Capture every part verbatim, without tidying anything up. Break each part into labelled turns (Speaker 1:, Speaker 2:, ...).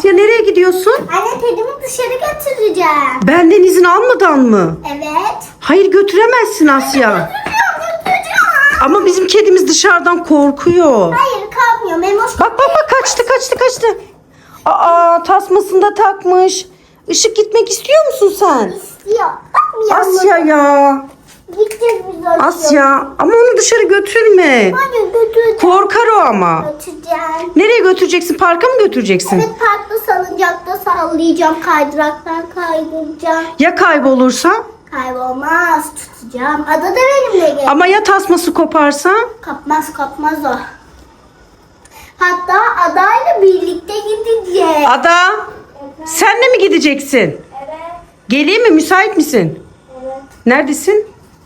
Speaker 1: Asya nereye gidiyorsun?
Speaker 2: Anne kedimi dışarı götüreceğim.
Speaker 1: Benden izin almadan mı?
Speaker 2: Evet.
Speaker 1: Hayır götüremezsin Asya.
Speaker 2: Götüreceğim götüreceğim.
Speaker 1: Ama bizim kedimiz dışarıdan korkuyor.
Speaker 2: Hayır kalkmıyor. Memoş
Speaker 1: Bak bak bak kaçtı kaçtı kaçtı. Aa tasmasını da takmış. Işık gitmek istiyor musun sen?
Speaker 2: istiyor. Bakmıyor.
Speaker 1: Asya ya.
Speaker 2: Gideceğiz biz oraya.
Speaker 1: Asya ama onu dışarı götürme.
Speaker 2: Hayır götüreceğim.
Speaker 1: Korkar o ama.
Speaker 2: Götüreceğim.
Speaker 1: Nereye götüreceksin? Parka mı götüreceksin?
Speaker 2: Evet parkta salıncakta sallayacağım. Kaydıraktan kaydıracağım.
Speaker 1: Ya kaybolursa?
Speaker 2: Kaybolmaz. Tutacağım. Ada da benimle gel.
Speaker 1: Ama ya tasması koparsa?
Speaker 2: Kapmaz kapmaz o. Hatta adayla birlikte gideceğiz.
Speaker 1: Ada sen de mi gideceksin?
Speaker 2: Evet.
Speaker 1: Geleyim mi? Müsait misin?
Speaker 2: Evet.
Speaker 1: Neredesin?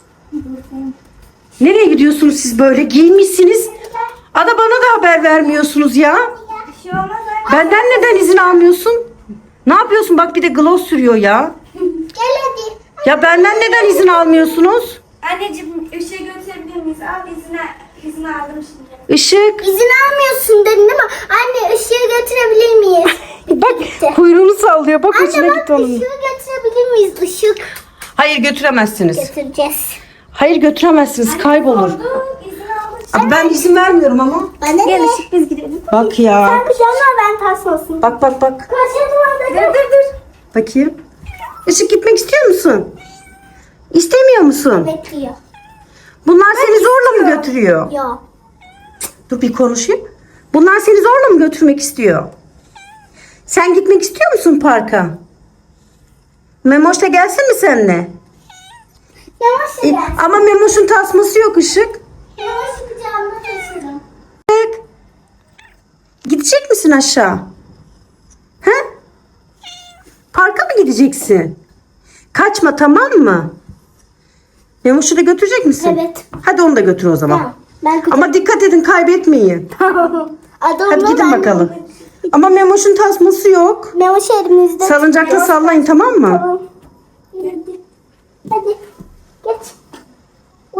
Speaker 1: Nereye gidiyorsunuz siz böyle? Giyinmişsiniz. Ada bana da haber vermiyorsunuz ya.
Speaker 2: Bir şey olmaz.
Speaker 1: Benden neden izin almıyorsun? Ne yapıyorsun? Bak bir de gloss sürüyor ya.
Speaker 2: Gel hadi.
Speaker 1: Ya benden neden izin almıyorsunuz?
Speaker 3: Anneciğim ışığı götürebilir miyiz? Al izine, izin aldım şimdi.
Speaker 1: Işık.
Speaker 2: İzin almıyorsun dedin değil mi? Anne ışığı götürebilir miyiz?
Speaker 1: Bak kuyruğunu sallıyor. Bak
Speaker 2: Anne
Speaker 1: hoşuna
Speaker 2: bak
Speaker 1: gitti onun.
Speaker 2: ışığı götürebilir miyiz? Işık
Speaker 1: Hayır götüremezsiniz.
Speaker 2: götüreceğiz.
Speaker 1: Hayır götüremezsiniz. Kaybolur.
Speaker 3: Oldu, izin aldım.
Speaker 1: Abi ben izin vermiyorum ama.
Speaker 2: Bana
Speaker 3: Gel
Speaker 2: ne?
Speaker 3: ışık biz gidelim.
Speaker 1: Bak ya.
Speaker 2: Sen pijama ben tasmasın.
Speaker 1: Bak bak bak.
Speaker 2: Kaçırdım
Speaker 3: Dur dur dur.
Speaker 1: Bakayım. Işık gitmek istiyor musun? İstemiyor musun?
Speaker 2: Bekliyor.
Speaker 1: Bunlar seni zorla mı götürüyor?
Speaker 2: Yok.
Speaker 1: Dur bir konuşayım. Bunlar seni zorla mı götürmek istiyor? Sen gitmek istiyor musun parka? Memoş da gelsin mi seninle?
Speaker 2: Yavaş
Speaker 1: E,
Speaker 2: gel.
Speaker 1: ama Memoş'un tasması yok Işık.
Speaker 2: Yavaş kucağımda taşırım.
Speaker 1: Işık. Gidecek misin aşağı? He? Parka mı gideceksin? Kaçma tamam mı? Memoş'u da götürecek misin?
Speaker 2: Evet.
Speaker 1: Hadi onu da götür o zaman.
Speaker 2: Tamam. Ben kucağım.
Speaker 1: Ama dikkat edin kaybetmeyin.
Speaker 2: Adamla
Speaker 1: Hadi gidin
Speaker 2: ben-
Speaker 1: bakalım. Ama Memoş'un tasması yok.
Speaker 2: Memoş elimizde.
Speaker 1: Salıncakta
Speaker 2: tutuyor.
Speaker 1: sallayın tamam mı?
Speaker 2: Tamam. Hadi. Hadi. Geç. Uy.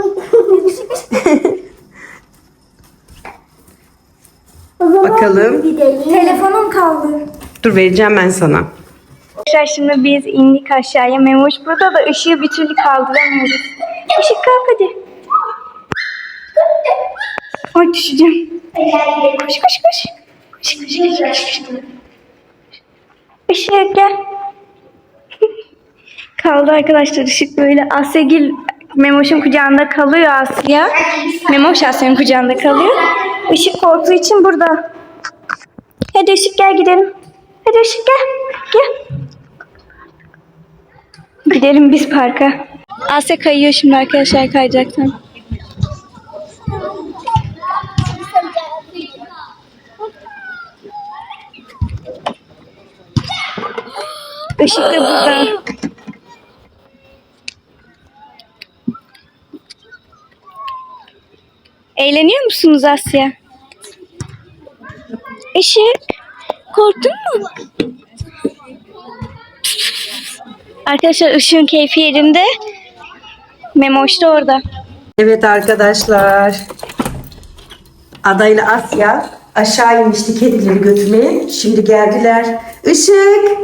Speaker 2: O zaman
Speaker 1: Bakalım.
Speaker 2: gidelim.
Speaker 3: Telefonum kaldı.
Speaker 1: Dur vereceğim ben sana.
Speaker 3: Arkadaşlar şimdi biz indik aşağıya. Memoş burada da ışığı bir türlü kaldıramıyoruz. Işık kalk hadi. Ay düşeceğim. Koş koş koş. Koş koş koş koş. koş. Işık gel. Kaldı arkadaşlar ışık böyle. Asyagil Memoş'un kucağında kalıyor Asya. Memoş Asya'nın kucağında kalıyor. Işık korktuğu için burada. Hadi ışık gel gidelim. Hadi ışık gel. Gel. Gidelim biz parka. Asya kayıyor şimdi arkadaşlar kayacaktan. Işık da burada. Eğleniyor musunuz Asya? Işık, korktun mu? Arkadaşlar ışığın keyfi yerinde. Memoş da orada.
Speaker 1: Evet arkadaşlar. Ada ile Asya aşağı inmişti kedileri götürmeye. Şimdi geldiler. Işık.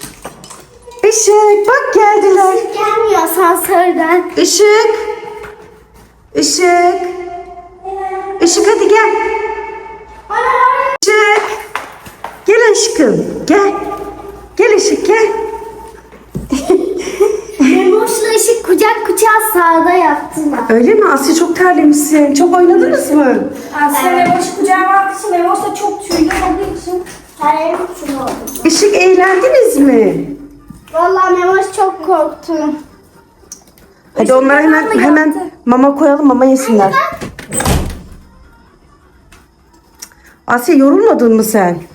Speaker 1: Işık bak geldiler.
Speaker 2: Gelmiyor asansörden.
Speaker 1: Işık. Işık. Işık hadi gel. Işık. Gel aşkım. Gel. Gel Işık gel.
Speaker 2: Memoş'la ışık kucak kucağa sağda yaptılar.
Speaker 1: Öyle mi? Asya çok terlemişsin. Çok oynadınız mı?
Speaker 3: Asya Memoş kucağıma aldığı için Memoş da çok tüylü olduğu için.
Speaker 2: Hayır için oldu.
Speaker 1: Işık eğlendiniz mi?
Speaker 2: Vallahi Memoş çok korktu.
Speaker 1: Hadi onlara hemen hemen mama koyalım, mama yesinler. Asya yorulmadın mı sen?